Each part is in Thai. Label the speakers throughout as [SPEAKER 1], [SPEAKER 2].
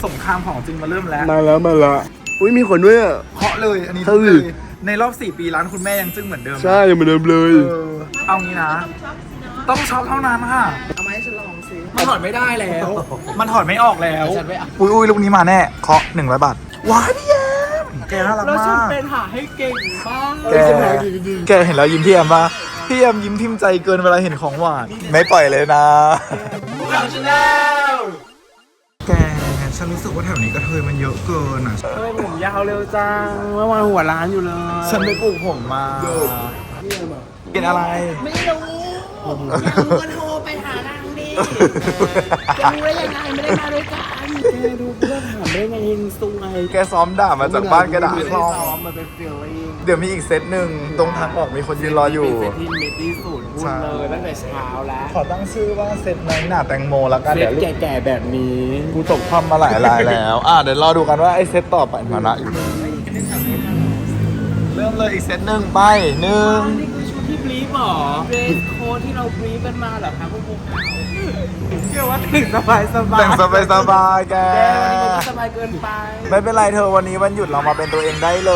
[SPEAKER 1] สงครามของจริงมาเริ่มแล้ว
[SPEAKER 2] มาละอุ้ยมีคนด้วยอ่ะ
[SPEAKER 1] เคาะเลยอันนี้
[SPEAKER 2] เฮ้ย
[SPEAKER 1] เลยในรอบ4 ปีร้านคุณแม่ยังจึ้งเหมือนเดิม
[SPEAKER 2] ใช่เหมือนเดิมเลย
[SPEAKER 1] เอางี้นะ ต้องช็อปเท่านั้นค่ะ
[SPEAKER 3] เอามาให้ฉันลองสิ
[SPEAKER 1] มันถอดไม่ได้แล้ว มันถอดไม่ออกแล้ว
[SPEAKER 3] ฉันไม่เอา
[SPEAKER 1] อุ้ยลูกนี้มาแน่เคาะ100 บาทว้ายพี่แอมแกน่ารัก
[SPEAKER 3] แล้วฉัน
[SPEAKER 1] มาก
[SPEAKER 3] เป็นหาให้เก่งบ้าง
[SPEAKER 1] แกเห็นแล้วยิ้มพี่แอมปะพี่แอมยิ้มพิมพ์ใจเกินเวลาเห็นของหวานไม่ปล่อยเลยนะแกฉันรู้สึกว่าแถวนี้กระเทยมันเยอะเกินอ่ะ
[SPEAKER 3] เฮ้ยผมยาวเร็วจังเมื่อวานหัวร้านอยู่เลย
[SPEAKER 1] ฉันไปปลูกผมมาเป็นอะไร
[SPEAKER 3] ไม่รู้อยากรู้ก็โทรไปหานางดิจะรู้ได้ยังไงไม่ได้มาด้วยกันแกดูเพื่อนถามได้ไงเฮงซวย
[SPEAKER 1] แกซ้อมด่ามาจากบ้านแกด่าคลอง
[SPEAKER 3] ซ้อมมันเป็นฟีลลิ่ง
[SPEAKER 1] เดี๋ยวมีอีกเซตหนึ่งตรงทางออกมีคนยืนรออยู่
[SPEAKER 3] เป็นเซตที่เมตที่สุดพูดเลยตั้งแต่เช้าแล้ว
[SPEAKER 1] ขอตั้งชื่อว่าเซตน้อยหน่าแตงโมแล้วกัน
[SPEAKER 3] เซ
[SPEAKER 1] เดี๋
[SPEAKER 3] ต
[SPEAKER 1] ยวลูก
[SPEAKER 3] แก่ๆแบบนี้
[SPEAKER 1] กูตกความมาหลายรายแล้ว เดี๋ยวรอดูกันว่าไอ้เซตต่อไปมานะอยู่เริ่มเลยอีกเซตหนึ่งไปหนึ่ง
[SPEAKER 3] นี่คือชุดที่บลีฟหรอเดรสโค้ดที่เราบลีฟกันมาเหรอคะพวกเราเชื่อว่าถึงสบายสบาย
[SPEAKER 1] แต่งสบายๆแก
[SPEAKER 3] แกวันนี้มันก็สบายเกินไป
[SPEAKER 1] ไม่เป็นไรเธอวันนี้วันหยุดเรามาเป็นตัวเองได้เลย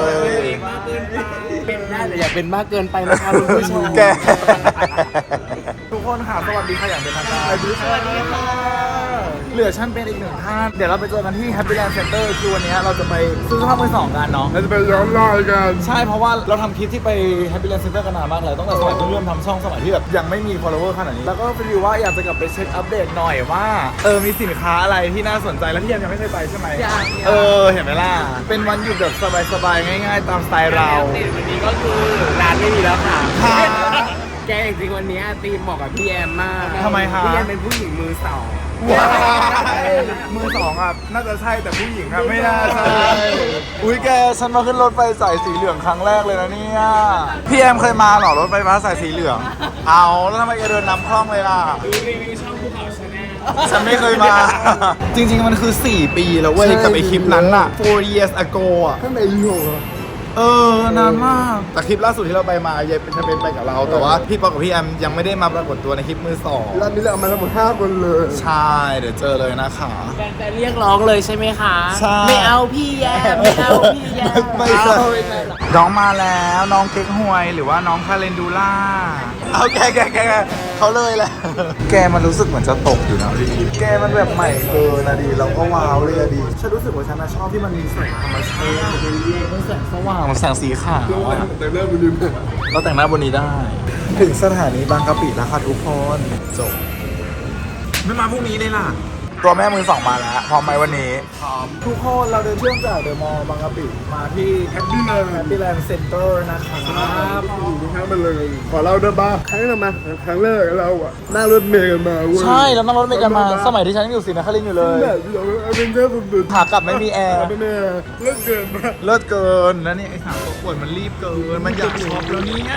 [SPEAKER 3] มากเกินไปเป็นได้แต่อย่าเป็นมากเกินไปนะคะคุณผู้ชม
[SPEAKER 1] แก ทุกคนค่ะสวัสดีค่ะอย่างเป็นทางการ
[SPEAKER 3] สวัสดีค่ะ
[SPEAKER 1] เหลือฉันเป็นอีกหนึ่งท่านเดี๋ยวเราไปเจอกันที่ Happy Land Center คือวันนี้เราจะไปซื้อเสื้อผ้ามือสองกันเนาะ
[SPEAKER 2] เราจะไปย้อนรอยกัน
[SPEAKER 1] ใช่เพราะว่าเราทำคลิปที่ไป Happy Land Center กันนานมากเลยตั้งแต่สมัยเพิ่งเริ่มทำช่องสมัยที่แบบยังไม่มี follower ขนาดนี้แล้วก็ไปดูว่าอยากจะกลับไปเช็คอัปเดตหน่อยว่ามีสินค้าอะไรที่น่าสนใจแล้วที่ยังไม่เคยไปใช่ไหม
[SPEAKER 3] ยัง
[SPEAKER 1] เห็นไหมล่ะเป็นวันหยุดแบบสบายๆง่าย ๆ ตามสไตล์เรา
[SPEAKER 3] วันนี้ก็คือร้านไม่มีแล้วค่ะ
[SPEAKER 1] ค่ะ
[SPEAKER 3] แกจริงๆวันนี้ธีมเหมาะกับพี่แอมมาก
[SPEAKER 1] ทำไมคะ
[SPEAKER 3] พี่แอมเป็นผู้หญิงมือสอง
[SPEAKER 1] ว้ายมือสองอ่ะน่าจะใช่แต่ผู้หญิงอ่ะไม่น่าใช่อุ้ยแกฉันมาขึ้นรถไฟสายสีเหลืองครั้งแรกเลยนะเนี่ยพี่แอมเคยมาเหรอรถไฟฟ้าสายสีเหลืองเอาแล้วทำไมแกเดินนำคล่องเลยล่ะ
[SPEAKER 3] ดูรีวิวช่องภูเขาชาแนล
[SPEAKER 1] ฉันไม่เคยมา จริงๆมันคือ4 ปีแล้วเว้ยกับไอคลิปนั้นอ่ะ4 years ago อ่ะ
[SPEAKER 2] ข้างในอีโหก
[SPEAKER 1] นานมากแต่คลิปล่าสุดที่เราไปมาเยเป็นจะเป็นไปกับเราแต่ว่าพี่ปอกับพี่แอมยังไม่ได้มาปรากฏตัวในคลิปมือสอง
[SPEAKER 2] ร้านนี้เราเอามาทั้งหมด5 คนเลย
[SPEAKER 1] ใช่เดี๋ยวเจอเลยนะคะ
[SPEAKER 3] แต่เรียกร้องเลยใช่ไหมคะ
[SPEAKER 1] ใช่
[SPEAKER 3] ไม่เอาพี่แยมไม่เอาพี่แยม
[SPEAKER 1] ไม่ใช่
[SPEAKER 3] ไม่ใช่หรอก
[SPEAKER 1] น้องมาแล้วน้องเค้กฮวยหรือว่าน้องคาเรนดูล่าเอาแกเขาเลยแหละแกมันรู้สึกเหมือนจะตกอยู่นะดิแกมันแบบใหม่เกินนะดิเราก็ว้าวเลยอะดิฉันรู้สึกว่าฉันชอบที่มันมีแสงธรรมชาติมันแสงสว่างมันแสงสีขาวอะ
[SPEAKER 2] แต่เริ่มไปลืม
[SPEAKER 1] เราแต่งหน้าบนนี้ได้ ถึงสถานีบางกะปิแล้วค่ะทุกคนจบไม่มาพรุ่งนี้เลยล่ะตัวแม่มือสองมาแล้วพร้อมไหมวันนี้พร้อมทุกคนเราเดินเชื่อมจากเดอะมอลล์บางกะปิมาที่แฮปปี้แลนด์เซ็นเตอร์นะครับ
[SPEAKER 2] อยู่ข้างมันเลย ขอเล่าด้วยบ้างครั้งนั้นมาครั้งแรกเราอะนั่งรถเมล์กันมาเว้ย
[SPEAKER 1] ใช่แล้วนั่งรถเมล์กันมาสมัยที่ฉันยังอยู่ศรีนครินทร์อยู่เลย
[SPEAKER 2] แบบเราเอาเป็นเจ้าสุดๆ
[SPEAKER 1] ขากลับไม่มีแอร์
[SPEAKER 2] ไม่แน่เลิกเกินมาก
[SPEAKER 1] เลิศเกินแล้วเนี่ยไอ้สามตัวปวดมันรีบเกินมันอยากช็อปแล้วเนี่ย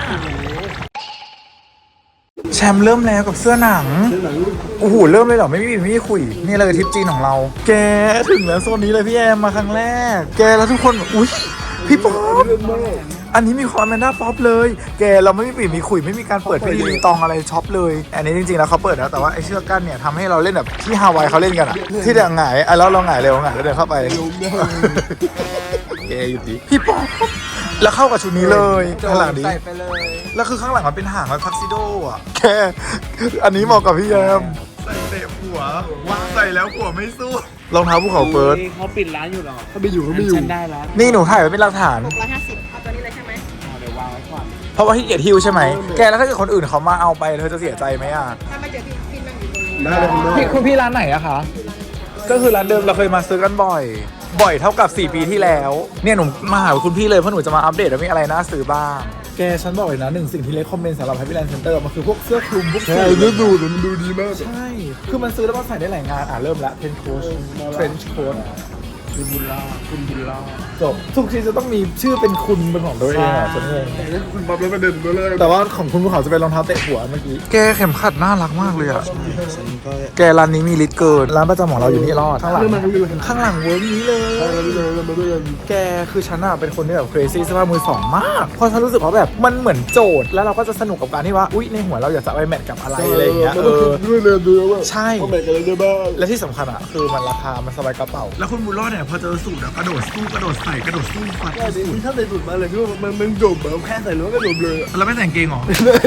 [SPEAKER 1] แชมป์เริ่มแล้วกับเสื้อหนังโอ้โหเริ่มเลยเหรอไม่มีคุยนี่เลยทริปจีนของเรา แกถึงแล้วโซนนี้เลยพี่แอมมาครั้งแรก แกแล้วทุกคนอุ้ยพี่ป๊อป
[SPEAKER 2] เล่นมาก
[SPEAKER 1] อันนี้มีความแมนด้าป๊อปเลย แกเราไม่มีปีมีคุยไม่มีการเปิดพิธีรีตองอะไรช็อปเลย อันนี้จริงๆแล้วเขาเปิดแล้วแต่ว่าไอ้เชือกกั้นเนี่ยทำให้เราเล่นแบบที่ฮาวายเขาเล่นกันอะที่เดี๋ยวหงายแล้วเราหงายเร็วหงายแล้วเดินเข้าไป แกอยู่ดิพี่ป๊อปแล้วเข้ากับชุดนี้เลยข้างหลังดี
[SPEAKER 3] ใส่ไปเลย
[SPEAKER 1] แล้วคือข้างหลังมันเป็นหางแบบทักซิโดอ่ะแกอันนี้เหมาะกับพี่แยมใส่เตะหัวใส่แล้วหัวไม่สู้รองเท้าภูเขาเฟิร์ส
[SPEAKER 3] เขาปิดร้านอยู่หรอ
[SPEAKER 2] ถ้าไม่อยู่ก็ไม่อยู่
[SPEAKER 3] ฉันได้แล้ว
[SPEAKER 1] นี่หนูถ่ายไว้เป็นหลักฐาน
[SPEAKER 4] 650เอาตัวนี้เลยใช่ไหม
[SPEAKER 3] เดี๋ยววางไว้ก่อน
[SPEAKER 1] เพราะว่าที่เกียรติฮิวใช่ไหมแกแล้วถ้าเกิดคนอื่นเขามาเอาไปเธอจะเสียใจไหมอ่ะ
[SPEAKER 4] ถ้าไม่เจอพี่นั่งอยู่ตรงนี้
[SPEAKER 2] ได้เลยได้
[SPEAKER 1] พี่คุณพี่ร้านไหนอะคะก็คือร้านเดิมเราเคยมาซื้อกันบ่อยเท่ากับ4 ปีที่แล้วเนี่ยหนูมาหาคุณพี่เลยเพราะหนูจะมาอัปเดตว่ามีอะไรน่าซื้อบ้างแกฉันบอกเลยนะหนึ่งสิ่งที่เลคคอมเมนต์สำหรับ Happy Land Center มันคือพวกเสื้อคลุมพวก
[SPEAKER 2] ใช่
[SPEAKER 1] สูท
[SPEAKER 2] ดูมันดูดีมาก
[SPEAKER 1] ใช่ คือมันซื้อแล้วมันใส่ได้หลายงานเริ่มละเพนโค้ชเฟรนช์โค้ช
[SPEAKER 2] คุณบุญรอดคุณบุญรอด
[SPEAKER 1] จบทุกทีจะต้องมีชื่อเป็นคุณเป็นของตัวเองอ่ะฉันงง
[SPEAKER 2] คุณป๊อปแล้วประเด็นตัวแรก
[SPEAKER 1] แต่ว่าของคุณภูเขาจะเป็นรองเท้าเตะหัวเมื่อกี้แกเข็มขัดน่ารักมากเลยอ่ะแกร้านนี้มีลิตรเกินร้านประจำของเราอยู่นี่รอดข้างหลังเวิร์กนี้เลยแกคือฉันอะเป็นคนที่แบบ crazy เสื้อผ้ามือสองมากเพราะฉันรู้สึกว่าแบบมันเหมือนโจทย์แล้วเราก็จะสนุกกับการที่ว่าอุ๊ยในหัวเราอยากจะเอาไปแมทกับอะไรอะไรอย่างเงี้ย
[SPEAKER 2] ด้วยเรียนดูว่า
[SPEAKER 1] ใช่
[SPEAKER 2] ว่าแบ่งกันได้บ้าง
[SPEAKER 1] และที่สำคัญอ่ะคือมันราคามันสบายกระเป๋าแล้วคุณบุญรอดเนี่ยพอเจอสูตรกระโดดสู้กระโดดใส่กระโดดสู้ฟัด
[SPEAKER 2] ใช่ดิถ้าใส่สุดมาเลยคือมันจบแบบแค่ใส่ล้วนก็จบเลย
[SPEAKER 1] แล้วไม่แต่งเกงหรอ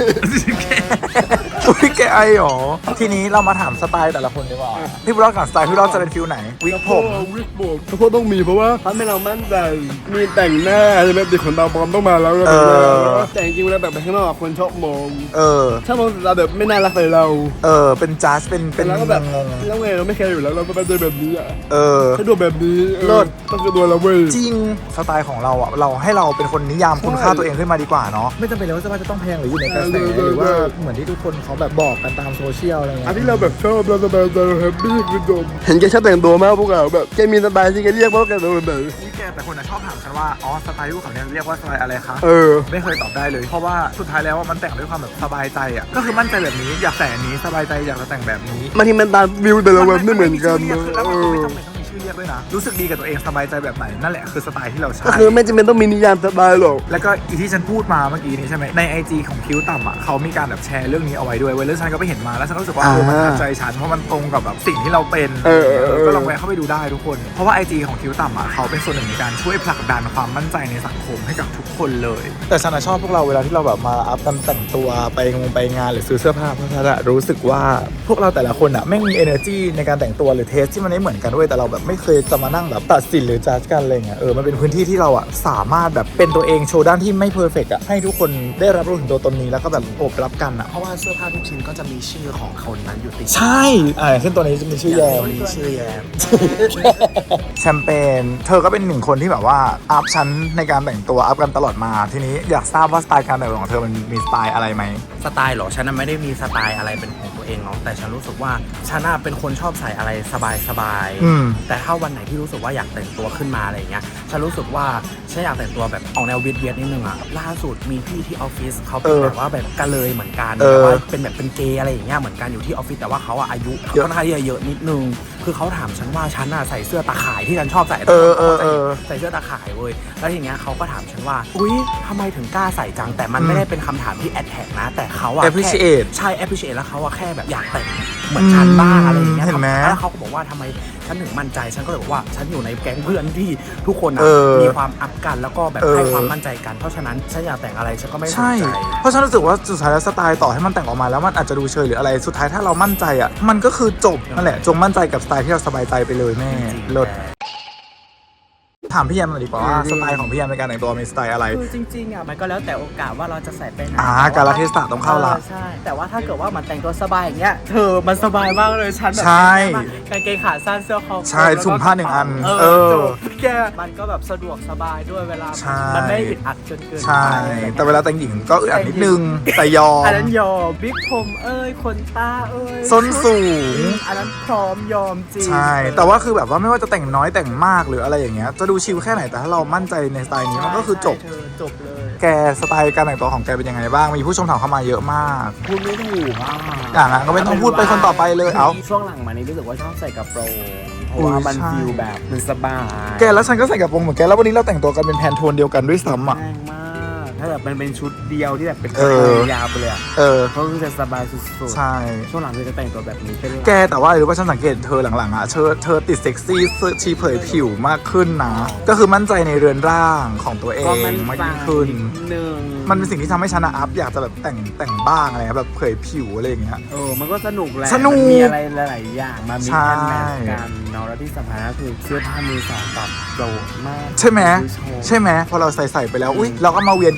[SPEAKER 1] อุ้ยแกไอหรอทีนี้เรามาถามสไตล์แต่ละคนดีกว่าพี่บุญรอดกับสไตล์พี่บุญรอดจะเป็นฟิลไหนวิกผม
[SPEAKER 2] วิกผมเพราะต้องมีเพราะว่าทำให้เรามั่นใจมีแต่งหน้าใช่ไหมติดขนตาปลอมต้องมาแล้วแต่จริงๆเวลาแบบไปข้างนอกคนชอบมองถ้ามองเราแบบไม่น่ารักใส่เรา
[SPEAKER 1] เป็นจัสเป็น
[SPEAKER 2] แล้วก็แบบ
[SPEAKER 1] งง
[SPEAKER 2] แล้วไงเราไม่แคร์อยู่แล้วเราก็ไปเจอแบบนี้อ่ะ
[SPEAKER 1] ๆ
[SPEAKER 2] ถ้าดูแบบนี้ต้องคือตัวเราเว้ย
[SPEAKER 1] จริงสไตล์ของเราอ่ะเราให้เราเป็นคนนิยามคุณค่าตัวเองขึ้นมาดีกว่าเนาะไม่จำเป็นเลยว่าเสื้อผ้าจะต้องแพงหรืออยู่ในกระแสหรือว่าเหมือนที่ทุกคนเขาแบบบอกกันตามโซเชียลอะไรเงี้ย
[SPEAKER 2] อันที่เราแบบชอบเราสบายใจแฮปปี้คือจบเห็นแกชอบแต่งตัวมากพวกเราแบบแกมีสไตล์ที่แกเรียกว่าแกตัวแบบไหน
[SPEAKER 1] นี่แกแต่คนชอบถามฉันว่าอ๋อสไตล์ลูกเขาเนี่ยเรียกว่าสไตล์อะไรคะ ไม่เคยตอบได้เลยเพราะว่าสุดท้ายแล้วมันแต่งด้วยความแบบสบายใจอ่ะก็คือมั่นใจแบบนี้อยากแต่งนี้สบายใจอยากจะแต่งแบบนี้
[SPEAKER 2] บางทีมันตามวิวแต่ละวันไม่เหมือนกัน
[SPEAKER 1] แล้วมันก็ไม่จำเป็นต้องมีชื่อเรียกด้วยนะรู้สึกดีกับตัวเองสบายใจแบบไหนนั่นแหละคือสไตล์ที่เราใช้
[SPEAKER 2] ก็คือไม่จำเป็นต้องมีนิยามสไตล์หรอก
[SPEAKER 1] แล้วก็อีที่ฉันพูดมาเมื่อกี้นี้ใช่ไหมใน IG ของคิ้วต่ำอ่ะเขามีการแบบแชร์เรื่องนี้เอาไว้ด้วยแล้วฉันก็ไปเห็นมาแล้วฉันก็รู้สึกว่ามันทัดใจฉันเพราะมันตรงกับแบบสิ่งที่เราเป็นก็ลองแวะเข้าไปดูได้ทุกคนเพราะว่า IG ของคิ้วต่ำอ่ะเขาเป็นส่วนหนึ่งในการช่วยผลักดันความมั่นใจในสังคมให้กับทุกคนเลยแต่ฉันชอบพวกเราเวลาที่เราแบบมาอัพกันแต่งตัวไปงานหรือซื้อเสื้อผ้าเพราะฉันรู้สึกว่าพวกเราแต่ละคนอ่ะไม่มี energy ในการแต่งตัวหรือเทสที่มันไม่เหมือนกันด้วยแต่เราแบบไม่เคยจะมานั่งแบบตัดสินหรือจัดกันอะไรเงี้ยมันเป็นพื้นที่ที่เราอ่ะสามารถแบบเป็นตัวเองโชว์ด้านที่ไม่เพอร์เฟกต์อ่ะให้ทุกคนได้รับรู้ถึงตัวตนนี้แล้วก็แบบโอบรับกันอ่ะ
[SPEAKER 3] เพราะว่าเสื้อผ้าทุกชิ้นก็จะมีชื่อของคนนั้นอยู่ติด
[SPEAKER 1] ใช่ขึ้นตัวนี้จะมีชื่อแยม
[SPEAKER 3] ตัวนี้ชื่อแยม
[SPEAKER 1] แชมเปญเธอก็เป็นหนึ่งคนที่แบบว่าอัพชั้นในการแต่งตัวอัพกันตลอดมาทีนี้อยากทราบว่าสไตล์การแต่งตัวของเธอมันมีสไตล์อะไรไหม
[SPEAKER 3] สไตล์เหรอฉันไม่ได้มีสไตล์อะไรเป็นของตัวเองเนาะแต่ฉันรู้สึกว่าฉันเป็นคนชอบใส่อะไรสบายๆแต่ถ้าวันไหนที่รู้สึกว่าอยากแต่งตัวขึ้นมาอะไรเงี้ยฉันรู้สึกว่าฉันอยากแต่งตัวแบบออกแนวเวียดนิดนึงอะล่าสุดมีพี่ที่ออฟฟิศเขาเป็นแบบว่าแบบกะเลยเหมือนกันแต่ว่าเป็นแบบเป็นเกย์อะไรอย่างเงี้ยเหมือนกันอยู่ที่ออฟฟิศแต่ว่าเขาอายุค่อนข้างเยอะนิดนึงคือเขาถามฉันว่าฉันใส่เสื้อตาข่ายที่ฉันชอบใส่ใส่เสื้อตาข่ายเว้ยแล้วทีเงี้ยเขาก็ถามฉันว่าอุ๊ยทำไมถึงกล้าใส่จังแต่มันไม่ได้เป็นคำถามที่แอดแท็กนะแต่เขาappreciate ใช่ appreciate แล้วเขาแค่แบบอยากแต่งเหมือนฉันบ้างอะไรอย่างเงี้ยแล้วเขาก็บอกว่าทำไมฉันถึงมั่นใจฉันก็เลยบอกว่าฉันอยู่ในแก๊งเพื่อนที่ทุกคนมีความอัพกันแล้วก็แบบให้ความมั่นใจกันเพราะฉะนั้นฉันอยากแต่งอะไรฉันก็ไม่สนใจ
[SPEAKER 1] เพราะฉันรู้สึกว่าสุดท้ายแล้วสไตล์ต่อให้มันแต่งออกมาแล้วมันอาจจะดูเชยหรืออะไรสุดท้ายถ้าเรามั่นใจอ่ะมันก็คือจบนั่นแหละจงมั่นใจกับสไตล์ที่เราสบายใจไปเลยแม่เลิศถามพี่แยมหน่อยดีกว่าว่าสไตล์ของพี่แยมในการแต่งตัวมีสไตล์อะไร
[SPEAKER 3] คือจริงๆมันก็แล้วแต่โอกาสว่าเราจะใส่ไปไหน
[SPEAKER 1] กาลเทศะต้องเข้าละ
[SPEAKER 3] ใช่แต่ว่าถ้าเกิดว่ามันแต่งตัวสบายอย่างเงี้ยเธอมันสบายมากเลยฉันแบบกางเกงขาสั้นเสื้อคอ
[SPEAKER 1] ใช่ถุงผ้า1 อัน
[SPEAKER 3] แกมันก็แบบสะดวกสบายด้วยเวลามันไม่อึดอัดจนเกิน
[SPEAKER 1] ใช่แต่เวลาแต่งหญิงก็อึดอัดนิดนึงแต่ยอม
[SPEAKER 3] อันนั้นยอมบิ๊กผมขนตา
[SPEAKER 1] ส้นสูง
[SPEAKER 3] อันนั้นพร้อมยอมจริง
[SPEAKER 1] ใช่แต่ว่าคือแบบว่าไม่ว่าจะแต่งน้อยแต่งมากหรืออะไรอย่างเงี้ยจะดูชิลแค่ไหนแต่ถ้าเรามั่นใจในสไตล์นี้มันก็คือจบ
[SPEAKER 3] เลย
[SPEAKER 1] แกสไตล์การแต่งตัวของแกเป็นยังไงบ้างมีผู้ชมถามเข้ามาเยอะมาก
[SPEAKER 3] พูดไม่ถูก
[SPEAKER 1] นั้นก็ไม่ต้องพูดไปคนต่อไปเลย
[SPEAKER 3] ช่วงหลังมานี้รู้สึกว่าชอบใส่กระโปรงเพราะว่ามันฟิลแบบมันสบาย
[SPEAKER 1] แกแล้วฉันก็ใส่กระโปรงเหมือนแกแล้ววันนี้เราแต่งตัวกันเป็นแพนโทนเดียวกันด้วยซ้ำ
[SPEAKER 3] แรงมากถ้าแบบมันเป็นชุดเดียวที่แบบเป็นยาวไปเลยเขาคือจะสบายสุดๆ
[SPEAKER 1] ใช่
[SPEAKER 3] ช่วงหลังจะแต่งตัวแบบนี้เป็น
[SPEAKER 1] แกแต่ว่าหรือว่าฉันสังเกตเธอหลังๆเธอติดเซ็กซี่ชีเผยผิวมากขึ้นนะก็คือมั่นใจในเรือนร่างของตัวเองมากยิ่งขึ้นมันเป็นสิ่งที่ทำให้ฉันอัพอยากจะแบบแต่งบ้างอะไรแบบเผยผิวอะไรอย่างเงี้ย
[SPEAKER 3] มันก็สนุกแหละมีอะไรหลายๆอย่างมามีกันแมทกันเนาะแล้วที่สำคัญก็คือเสื้อผ้ามือสองแบบโดดมาก
[SPEAKER 1] ใช่ไหมพอเราใส่ไปแล้วอุ้ยเราก็มาเวียนกัน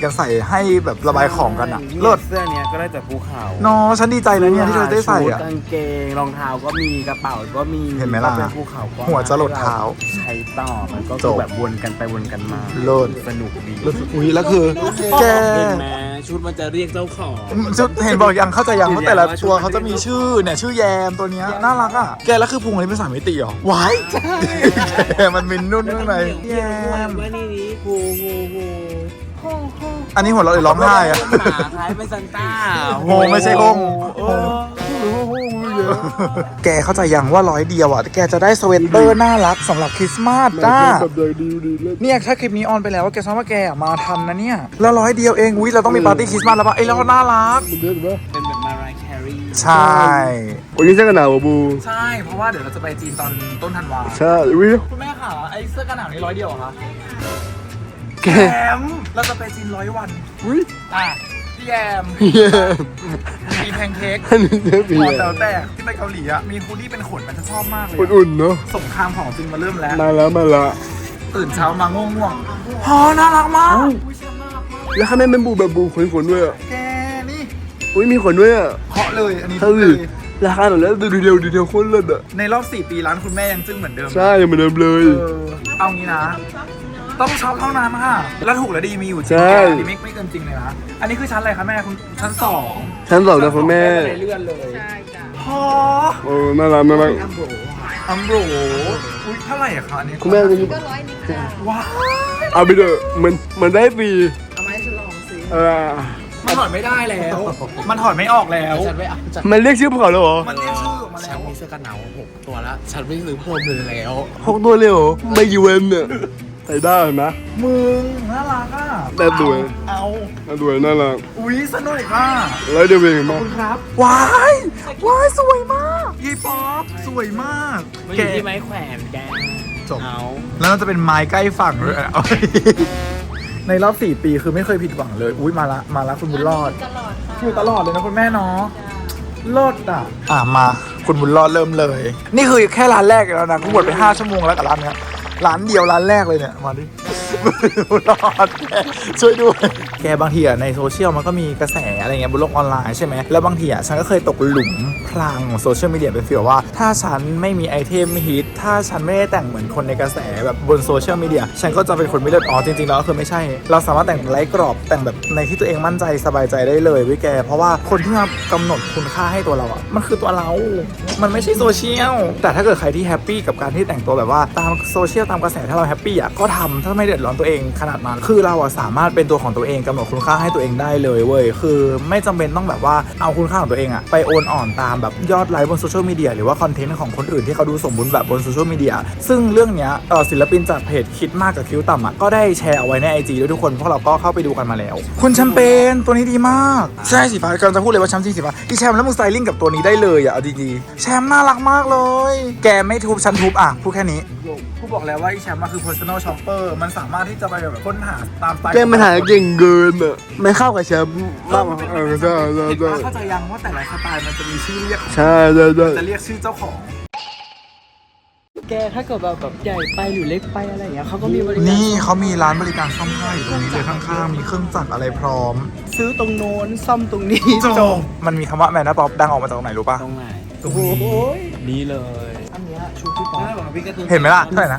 [SPEAKER 1] กันใส่ให้แบบระบายของกันอะเลิศ
[SPEAKER 3] เสื้อเนี้ยก็ได้จากภูเขา
[SPEAKER 1] เนาะฉันดีใจนะเนี่ยที่เธอได้ใส่อะ
[SPEAKER 3] ชุกางเกงรองเท้าก็มีกระเป๋าก็มี
[SPEAKER 1] เห็นไหมล่ะ
[SPEAKER 3] เป็นภูเขาก็
[SPEAKER 1] หัวจะหลดเท้า
[SPEAKER 3] ใช้ต่อมันก็
[SPEAKER 1] จ
[SPEAKER 3] คือบ แบบวนกันไปวนกันมา
[SPEAKER 1] เลิศ
[SPEAKER 3] สนุกดี
[SPEAKER 1] อุ้ยแล้วคือแก
[SPEAKER 3] เห็นไหมชุดมันจะเรียกเจ้าของ
[SPEAKER 1] ชุดเห็นบอกยังเข้าใจยัง
[SPEAKER 3] เห็น
[SPEAKER 1] ว่าแต่ละ
[SPEAKER 3] ว่าชุด
[SPEAKER 1] ตัวเขาจะมีชื่อเนี่ยชื่อแยมตัวเนี้ยน่ารักอ่ะแกแล้วคือพุงอันนี้เป็นสามมิติเหรอวายแกมันมินนุ่นข้างในแยม
[SPEAKER 3] ว่านี่โฮโฮโฮ
[SPEAKER 1] อันนี้หัวเราะเลยร้องไห้อะ
[SPEAKER 3] หมาคล้ายเป็นซันต้า
[SPEAKER 1] โฮไม่ใช่โฮง
[SPEAKER 3] เออ
[SPEAKER 1] แกเข้าใจยังว่า100 เดียวอ่ะแกจะได้สเวตเตอร์น่ารักสำหรับคริสต์มาสจ้า
[SPEAKER 2] แบบใหญ่ดีเลย
[SPEAKER 1] เนี่ยถ้าคลิปนี้ออนไปแล้วว่าแกซ้อมว่าแกอะมาทันนะเนี่ยแล้ว100 เดียวเองอุ้ยเราต้องมีปาร์ตี้คริสต์มาสแล้วปะไอ้ยแล้วน่ารัก
[SPEAKER 2] มันเยอะถูกปะ
[SPEAKER 3] เป็นแบบมารายแครี
[SPEAKER 1] ใช่
[SPEAKER 2] วันนี้เสื้อกันหนาวบู
[SPEAKER 1] ใช่ เพราะว่าเดี๋ยวเราจะไปจีนตอนต้นธันวา
[SPEAKER 2] ใช่วิ
[SPEAKER 1] คุณแม่ค่ะไอ้เสื้อกันหนาวนี่100 เดียวเหรอคะ
[SPEAKER 2] แก
[SPEAKER 1] แยมเราจะไปจีน100 วัน
[SPEAKER 2] วิ
[SPEAKER 1] อ่ะพี่แยม
[SPEAKER 2] เยี่ยม
[SPEAKER 1] มีแพนเค้ก
[SPEAKER 2] อันนี้เสื้อผี
[SPEAKER 1] หอแต๋วแตกที่ไปเกาหลีอ่ะมีฮูดดี้เป็นขนมันจะชอบมากเลย
[SPEAKER 2] อุ่นๆเนาะ
[SPEAKER 1] สงครามของจริงมาเริ่มแล้ว
[SPEAKER 2] มาแล้วมาละ
[SPEAKER 1] ตื่นเช้ามาง่วงๆอ๋อน่ารักมาก
[SPEAKER 2] แล้วข้างในเป็นบูแบบบูขนๆด้วยอ่ะ
[SPEAKER 1] แกนี่
[SPEAKER 2] อุ้ยมีขนด้วยอ่ะ
[SPEAKER 1] เพาะเลยอันนี้
[SPEAKER 2] เท่า
[SPEAKER 1] เล
[SPEAKER 2] ดิ
[SPEAKER 1] ย
[SPEAKER 2] ราคาหน่อยแล้วดูดีเทลโคตรเลิศอ่ะ
[SPEAKER 1] ในรอบ4 ปีร้านคุณแม่ยังจึ้งเหมือนเดิม
[SPEAKER 2] ใช่ยังเหมือนเดิมเลย
[SPEAKER 1] เอางี้นะ ต้องช็อปเท่านั้นค่ะ แล้วถูกและดีมีอยู่จริง
[SPEAKER 2] ใช่
[SPEAKER 1] อันนี้ไม่เกินจริงเลยนะ อันนี้คือชั้นอะไรคะแม่คุณชั้น2
[SPEAKER 2] ชั้นสองนะคุณแม่
[SPEAKER 1] เลื่อนเลย
[SPEAKER 4] ใช่จ้ะ
[SPEAKER 1] พอ
[SPEAKER 2] โอ้น่ารักน่ารัก
[SPEAKER 1] อัมโบรอุ้ยเท่าไหร่อะคะอันนี้
[SPEAKER 2] คุณแม่
[SPEAKER 4] ก็100 นิดจ้ะ
[SPEAKER 1] ว้าว
[SPEAKER 2] เอาไปเถอะมันได้ฟรี
[SPEAKER 4] เอามาให้ฉันลองสิ
[SPEAKER 1] มันถอดไม่ได้แล้ว มันถอดไม่ออกแล้ว
[SPEAKER 3] ฉันไม่เอาฉัน
[SPEAKER 2] มันเรียกชื่อภูเขาแล้วเหรอ
[SPEAKER 1] มันเรียกชื่อออกมา
[SPEAKER 3] ฉั
[SPEAKER 1] แล้
[SPEAKER 3] น
[SPEAKER 1] ว
[SPEAKER 3] มีเสื้อกันหนาว6 ตัวแล้ว ฉันไม่ซื้อเพิ่มเลยแล้ว
[SPEAKER 2] 6 ตัวเลยเหรอไม่กี่เวนเนี่ยใส่ได้นะ
[SPEAKER 1] มึงน่ารักอ่ะ
[SPEAKER 2] แต่สวย
[SPEAKER 1] เอา
[SPEAKER 2] น่าด้วยน่ารัก
[SPEAKER 1] อุ้ยสนุกอ่ะ
[SPEAKER 2] แล้วเดี๋ยวเองมา
[SPEAKER 1] ครับว้ายว้ายสวยมากยีป๊อปสวยมาก
[SPEAKER 3] มันอยู่ที่ไม้แขวนแก
[SPEAKER 1] จบ
[SPEAKER 3] เอา
[SPEAKER 1] แล้วมันจะเป็นไม้ใกล้ฝั่งเลยเอาในรอบ4 ปีคือไม่เคยผิดหวังเลย อุ้ยมาละคุณบุญรอด
[SPEAKER 4] ตลอดค่ะ
[SPEAKER 1] อยู่ตลอดเลยนะคุณแม่เนาะรอดอ่ะมาคุณบุญรอดเริ่มเลย นี่คือแค่ร้านแรกแล้วนะกูหมดไป5 ชั่วโมงแล้วกับร้านเนี้ยร้านเดียวร้านแรกเลยเนี่ยมาดิ บุญรอดแกช่วยด้วยแกบางทีอะในโซเชียลมันก็มีกระแสอะไรเงี้ยบนโลกออนไลน์ใช่ไหมแล้วบางทีอะฉันก็เคยตกหลุมพรางของโซเชียลมีเดียเป็นฟีลว่า ถ้าฉันไม่มีไอเทมฮิตถ้าฉันไม่ได้แต่งเหมือนคนในกระแสแบบบนโซเชียลมีเดียฉันก็จะเป็นคนไม่เลือดอ๋อจริงๆแล้วก็คือไม่ใช่ เราสามารถแต่งไร้กรอบแต่งแบบในที่ตัวเองมั่นใจสบายใจได้เลยเว้ยแกเพราะว่าคนที่มากำหนดคุณค่าให้ตัวเราอะมันคือตัวเรา มันไม่ใช่โซเชียลแต่ถ้าเกิดใครที่แฮปปี้กับการที่แต่งตัวแบบว่าตามโซเชียลตามกระแสถ้าเราแฮปปี้อะก็ทำถ้าไม่เดือดร้อนตัวเองขนาดนั้นคือเราอะสามารถเป็นตัวของตัวเองกำหนดคุณค่าให้ตัวเองได้เลยเว้ยคือไม่จำเป็นต้องแบบว่าเอาคุณค่าของตัวเองอะไปโอนอ่อนตามแบบยอดไลค์บนโซเชียลมีเดียหรือว่าคอนเทนต์ของคนอื่นที่เขาดูสมบูรณ์แบบบนโซเชียลมีเดียซึ่งเรื่องเนี้ยศิลปินจากเพจคิดมากกับคิ้วต่ำอะก็ได้แชร์เอาไว้ใน IG ด้วยทุกคนพวกเราก็เข้าไปดูกันมาแล้วคุณแชมเปญตัวนี้ดีมากใช่สีฟ้ากำลังจะพูดเลยว่าแชมป์สีฟ้าอีแชมป์แล้วมึงสไตลิ่งกับตัวนี้ได้เลยอะเอาดีๆแชมป์น่ารักมากเลยแกไม่ทุบฉันทุบอ่ะพูดแค่นี้ผู้บอกแล้วว่าอีแชมป์มันคือ personal shopper มันสามารถที่จะไปแบบค้นหาตามสไตล์
[SPEAKER 2] แกมันหาเก่งเกินอ่ะไม่เข้ากับแชมป์มากใช่
[SPEAKER 1] เห็น
[SPEAKER 2] ใช่
[SPEAKER 1] ปะเข้าใจยังว่าแต่ละสไตล์มันจะมีชื่อเรียก
[SPEAKER 2] ใช่ใช่ใช่
[SPEAKER 1] จะเรียกชื่อเจ้าของ
[SPEAKER 5] แกถ้าเกิดแบบใหญ่ไปหรือเล็กไปอะไรอย่างเงี้ยเขาก็มีบริการ
[SPEAKER 1] นี่เขามีร้านบริการซ่อมผ้าอยู่ตรงนี้เลยข้างๆมีเครื่องจักรอะไรพร้อม
[SPEAKER 5] ซื้อตรงโน้นซ่อมตรงนี้
[SPEAKER 1] จบมันมีคำว่าแมนนาป๊อปดังออกมาจากตรงไหนรู้ปะ
[SPEAKER 3] ตรงไหน
[SPEAKER 5] โอ้โห
[SPEAKER 3] นี่เลย
[SPEAKER 5] อันเนี้ยชูพี่ป๊อป
[SPEAKER 1] เห็นไหมล่ะเท่าไหร่นะ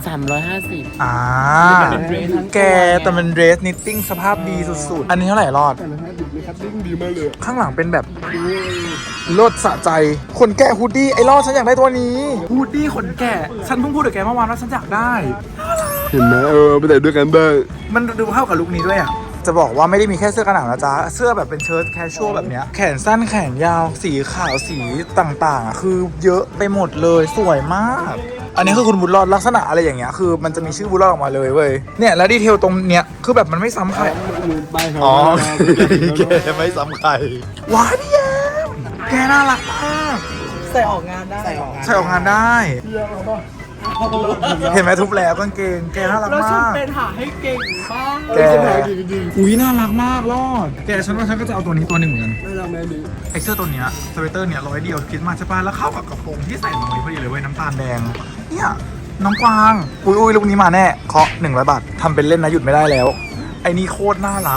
[SPEAKER 3] 350
[SPEAKER 1] อ่า
[SPEAKER 3] เป็นเดรสทั้งตัว
[SPEAKER 1] แกแต่เป็นเดรสนิตติ้งสภาพดีสุดๆ อันนี้เท่าไหร่รอด
[SPEAKER 2] แต่ละฮะดิบเลยครับดิ้งดีมากเลย
[SPEAKER 1] ข้างหลังเป็นแบบรถสะใจ คนแก่ฮูดดี้ไอ้รอดฉันอยากได้ตัวนี้ฮูดดี้ขนแก่ฉันเพิ่งพูดกับแกเมื่อวานว่าฉันอยากได้
[SPEAKER 2] เห็นไหมไปแต่ด้วยกันได้
[SPEAKER 1] มันดูเข้ากับลุคนี้ด้วยอ่ะ จะบอกว่าไม่ได้มีแค่เสื้อกันหนาวนะจ๊ะ เสื้อแบบเป็นเชิ้ตแคชชวลแบบเนี้ยแขนสั้นแขนยาวสีขาวสีต่างๆอ่ะคือเยอะไปหมดเลยสวยมาก อันนี้คือคุณบุญรอดลักษณะอะไรอย่างเงี้ยคือมันจะมีชื่อบุญรอดออกมาเลยเว้ยเนี่ยแล้วดีเทลตรงเนี้ยคือแบบมันไม่ซ้ำใคร
[SPEAKER 2] ไปเขา
[SPEAKER 1] อ๋อแกไม่ซ้ำใครว้ายพี่แยมแกน่ารักมาก
[SPEAKER 5] ใส่ออกงานได้
[SPEAKER 1] ใส่ออกงานได้ เห็นไหมทุบแล้วกางเกงแกน่ารัก
[SPEAKER 5] แล้วฉัน
[SPEAKER 1] มาก
[SPEAKER 5] เป็นหาให้เก่งมาก
[SPEAKER 1] แกอุ้ยน่ารักมากรอดแกฉันว่าฉันก็จะเอาตัวนี้ตัวหนึ่งเหมือนกัน
[SPEAKER 2] น่ารักแม่ดี
[SPEAKER 1] ไอเสื้อตัวเนี้ยสเวตเตอร์เนี่ย100 เดียวคิดมาใช่ป่ะแล้วเข้ากับกระโปรงที่ใส่ตรงนี้พอดีเลยเว้ยน้ำตาลแดงเนี่ยน้องกวางอุ้ยลูกนี้มาแน่เคาะ100 บาททำเป็นเล่นนะหยุดไม่ได้แล้ว ไอ้นี่โคตรน่ารัก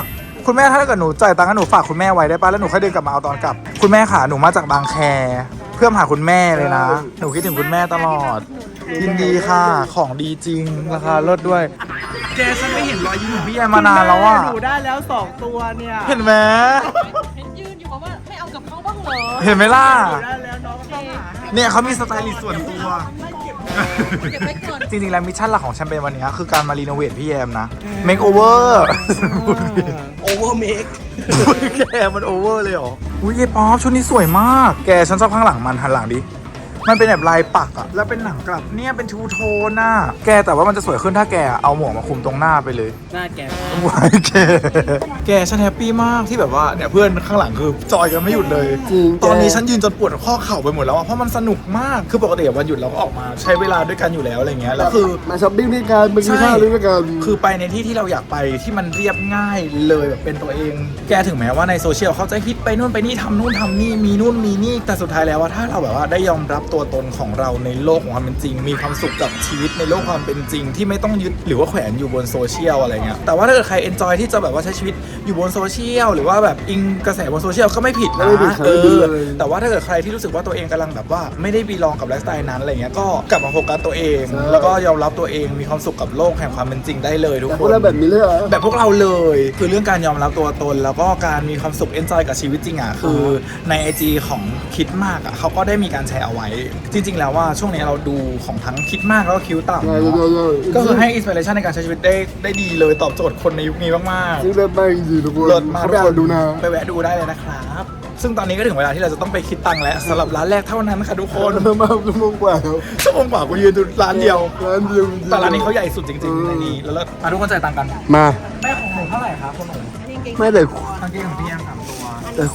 [SPEAKER 1] คุณแม่ถ้าเกิดหนูจ่ายตังค์ให้หนูฝากคุณแม่ไว้ได้ป่ะแล้วหนูค่อยเดินกลับมาเอาตอนกลับคุณแม่ค่ะหนูมาจากบางแคเพื่อมาหาคุณแม่เลยนะหนูคิดถึงคุณแม่ตลอดยินดีค่ะของดีจริงราคาลดด้วย แกฉันไม่เห็นรอยยิ้มของพี่แอมมานานแล้วอ่ะ
[SPEAKER 5] หนูได้แล้ว2ตัวเนี่ย
[SPEAKER 1] เห็นไหม
[SPEAKER 4] เห็นยืนอยู่ว่าไม่เอากับเขาบ้างเหรอ
[SPEAKER 1] เห็นไหมล่ะ
[SPEAKER 5] ได้แล้วน้องก็ต้องหา
[SPEAKER 1] เนี่ยเขามีสไตลิสต์ส่วนตัว
[SPEAKER 4] เก็บไว้ก่อน
[SPEAKER 1] จริงๆ แล้วมิชชั่นหลักของแชมเปญวันนี้คือการมารีโนเวทพี่แอมนะ make over
[SPEAKER 3] โอเวอร์เมค
[SPEAKER 1] แกมันโอเวอร์เลยเหรอ อุ้ยเยป๊อปชุดนี้สวยมาก แกฉันชอบข้างหลังมันหันหลังดิ มันเป็นแบบลายปักอะแล้วเป็นหนังกลับเนี่ยเป็นทูโทนน่ะแกแต่ว่ามันจะสวยขึ้นถ้าแกเอาหมวกมาคลุมตรงหน้าไปเลย
[SPEAKER 5] หน้าแก
[SPEAKER 1] ว้ายแกฉันแฮปปี้มากที่แบบว่าเนี่ยเพื่อนข้างหลังคือจอยกันไม่หยุดเลย
[SPEAKER 2] จริง
[SPEAKER 1] ตอนนี้ฉันยืนจนปวดข้อเข่าไปหมดแล้วอะเพราะมันสนุกมากคือปกติวันหยุดเราก็ออกมาใช้เวลาด้วยกันอยู่แล้วอะไรเงี้ยแล้วคือ
[SPEAKER 2] มาช้อปปิ้งด้วยกันมากินข้าวด้วยกัน
[SPEAKER 1] คือไปในที่ที่เราอยากไปที่มันเรียบง่ายเลยแบบเป็นตัวเอง แกถึงแม้ว่าในโซเชียลเขาจะฮิตไปนู่นไปนี่ทำนู่นทำนี่มีนู่นมีนี่แต่สุดท้ายแล้วว่าถ้าเราแบบว่าได้ยอมรับตัวตนของเราในโลกของความเป็นจริง มีความสุขกับชีวิตในโลกความเป็นจริง ที่ไม่ต้องยึดหรือว่าแขวนอยู่บนโซเชียลอะไรเงี้ยแต่ว่าถ้าเกิดใครเอนจอยที่จะแบบว่าใช้ชีวิตอยู่บนโซเชียลหรือว่าแบบอิงกระแสบนโซเชียลก็ไม่ผิดนะ
[SPEAKER 2] ไม่ผิดครับไม่ผิดเลย
[SPEAKER 1] แต่ว่าถ้าเกิดใครที่รู้สึกว่าตัวเองกำลังแบบว่าไม่ได้บีลองกับไลฟ์สไตล์นั้นอะไรเงี้ยก็กลับมาโฟกัสตัวเอง แล้วก็ยอมรับตัวเองมีความสุขกับโลกแห่งความเป็นจริงได้เลยทุก
[SPEAKER 2] แต่
[SPEAKER 1] ค
[SPEAKER 2] พวก
[SPEAKER 1] น
[SPEAKER 2] เราแบบนี้เลยเหรอ
[SPEAKER 1] แบบพวกเราเลยคือเรื่องการยอมรับตัวตน แล้วก็การมีความสุขเอนจอยกับชีวิตจริงอ่ะคือใน IG ของคิดมากอ่ะเขาก็ได้มีการแชร์เอาไว้ จริง ๆ แล้วว่าช่วงนี้เราดูของทั้งคิดมากแล้วก็คิ้วต่ำ
[SPEAKER 2] ใช่
[SPEAKER 1] เนอะ
[SPEAKER 2] ใช่
[SPEAKER 1] ก็คือให้อินสปิเรชันในการใช้ชีวิตได้ดีเลยตอบโจทย์คนในยุคนี้มาก
[SPEAKER 2] ซึ่งเลิศมากจริงๆทุกคน
[SPEAKER 1] ๆเลิศมาก
[SPEAKER 2] เขาไปอ่านดูนะ
[SPEAKER 1] ไปแวะดูได้เลยนะครับ ซึ่งตอนนี้ก็ถึงเวลาที่เราจะต้องไปคิดตังค์แล้วสำหรับร้านแรกเท่านั้นค่ะทุกคน
[SPEAKER 2] เลิศมากชั่วโมงกว่าแล้ว
[SPEAKER 1] ชั่วโมงกว่ากูยืนดูร้านเดียว
[SPEAKER 2] ร้านเดียวจงๆ
[SPEAKER 1] แต่ร้านนี้เขาใหญ่สุดจริงๆในนี้แล้วมาทุกคนจ่ายตังค์กัน
[SPEAKER 2] มา
[SPEAKER 1] แม่ของหนูเท่าไหร่ครับคุณหนู
[SPEAKER 2] ไม่แต่
[SPEAKER 1] กางเกงของพี่แอม3ตัว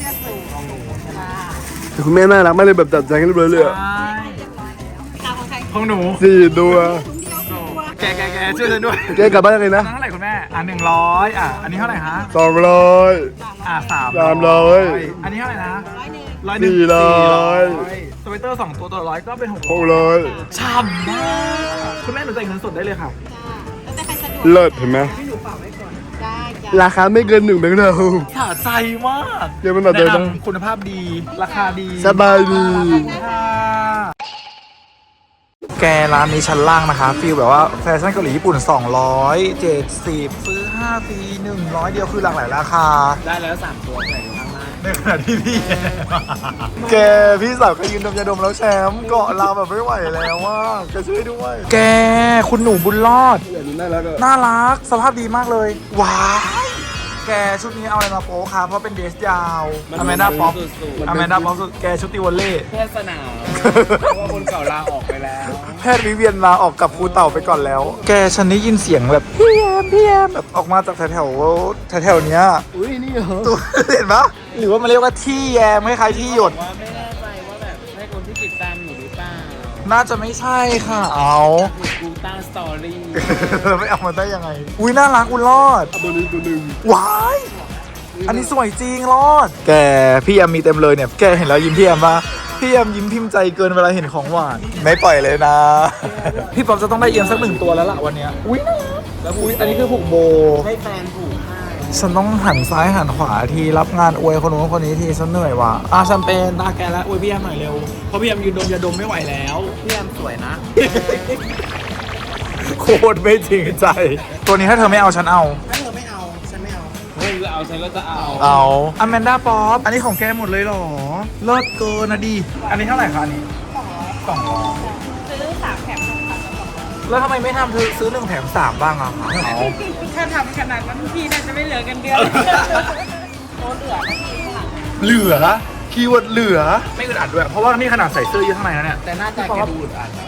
[SPEAKER 2] แต่คุณแม่น่ารักมากเลยแบบจัดแจงเรียบร้อยเลยอะ
[SPEAKER 1] ของหนู
[SPEAKER 2] 4 ตัว
[SPEAKER 1] แกช่วยฉันด้วย
[SPEAKER 2] แกกลับบ้านยังไงนะ
[SPEAKER 1] เท่าไหร่คุณแม่100อันนี้เท่าไหร่ฮะ
[SPEAKER 2] 200 300
[SPEAKER 1] อันนี้เท่าไหร่นะ100
[SPEAKER 2] 400
[SPEAKER 1] สเวตเตอร์2ตัวตัวละ100ก็เป็น600
[SPEAKER 2] 600
[SPEAKER 1] ช่ำมากคุณแม่หนูจ่ายเงินสดได้เลยค่ะ
[SPEAKER 2] เลิศเห็นไหม
[SPEAKER 4] ได้จ้ะ
[SPEAKER 2] ราคาไม่เกิน1 แบงค์เรา
[SPEAKER 1] สะใจมาก
[SPEAKER 2] เดี๋ยวมันหนักใจ
[SPEAKER 1] แนะ
[SPEAKER 2] นะ
[SPEAKER 1] นำคุณภาพดี ราคาดี
[SPEAKER 2] สบายดี
[SPEAKER 1] แกร้านนี้ชั้นล่างนะคะฟีลแบบว่าแฟชั่นเกาหลีญี่ปุ่น270ซื้อ5ฟรี100เดียวคือหลากหลายราคา
[SPEAKER 5] ได้แล้ว3ตัวใส่อยู่ข้างล่าง
[SPEAKER 1] ในขณะที่พี่ แกพี่สาวก็ยืนดมยาดมแล้วแชมป์เกาะเราแบบไม่ไหวแล้วว่าแกช่วยด้วย แกคุณหนูบุญรอด
[SPEAKER 2] อย่างนี้น่ารักอะ
[SPEAKER 1] น่ารักสภาพดีมากเลย ว้ายแกชุดนี้เอาอะไรมาโป๊คะเพราะเป็นเดรสยาวอแมนดาป๊อปอแมนดาป๊อปสุดแกชุดตีวอลเล่
[SPEAKER 5] แค่สนามเพราะว่าคนเก่าลาออกไปแล้ว
[SPEAKER 1] แพทย์วิเวียนลาออกกับครูเต่าไปก่อนแล้ว แกฉันได้ยินเสียงแบบพี่แอมแบบออกมาจากแถวๆเนี้ย
[SPEAKER 2] อุ้ยนี่เหรอ
[SPEAKER 1] ตัว เห็นปะหรือว่ามันเรียกว่าที่แยมคล้ายๆที่หยด
[SPEAKER 5] ว่าไม่แน่ใจว่าแบบใช่คนที่ติดตามอยู่หรือเปล่า
[SPEAKER 1] น่าจะไม่ใช่ค่ะเอา
[SPEAKER 5] กูตั้งสตอรี่
[SPEAKER 1] ไม่เอามาได้ยังไง อุ้ยน่ารักอุยรอด
[SPEAKER 2] ตัวนี้ตัวหนึ่ง
[SPEAKER 1] ว้ายอันนี้สวยจริงรอด แกพี่แอมมีเต็มเลยเนี่ยแกเห็นแล้วยิ้มพี่แอมปะพี่แอมยิ้มพิมพ์ใจเกินเวลาเห็นของหวานไม่ปล่อยเลยนะ พี่ป๊อปจะต้องได้เอียมสัก1 ตัวแล้วล่ะวันเนี้ยอุ้ยน่ารักแล้วอุ้ยอันนี้คือผูกโบ
[SPEAKER 5] ให้แฟนผูกให้
[SPEAKER 1] ฉันต้องหันซ้ายหันขวาทีรับงานอวยคนนู้นคนนี้ทีฉันเหนื่อยว่ะแชมเปญตาแกแล้วอวยพี่แอมหน่อยเร็วเพราะพี่แอมยืนดมยาดมไม่ไหวแล้ว
[SPEAKER 5] พี่แอมสวยนะ
[SPEAKER 1] โคตรไม่จริงใจ ตัวนี้ถ้าเธอไม่เอาฉันเอา
[SPEAKER 5] ถ้าเธอไม่เอา ฉันไม่เอาเฮ้ยเอาฉันก็จะเอา
[SPEAKER 1] เอาอแมนดาป๊อปอันนี้ของแกหมดเลยเหรอเลิศเกินนะดิอันนี้เท่าไหร่คะอันนี้200
[SPEAKER 4] ซื้อ3แถม1,000
[SPEAKER 1] แล้วทำไมไม่ทำซื้อ1 แถม 3บ้างอะคะ
[SPEAKER 4] ถ้าทำขนาดนั้นพี่น่าจะไม่เหลือกันเดือนโน้ตเหลือนะพี่ค่ะ
[SPEAKER 1] เหลือคีย์เวิร์ดเหลือไม่อึดอัดด้วยเพราะว่านี่ขนาดใส่เสื้อเยอะข้างในแล้วเนี่ย
[SPEAKER 5] แต่หน้าตาแกดูอึดอัดอะ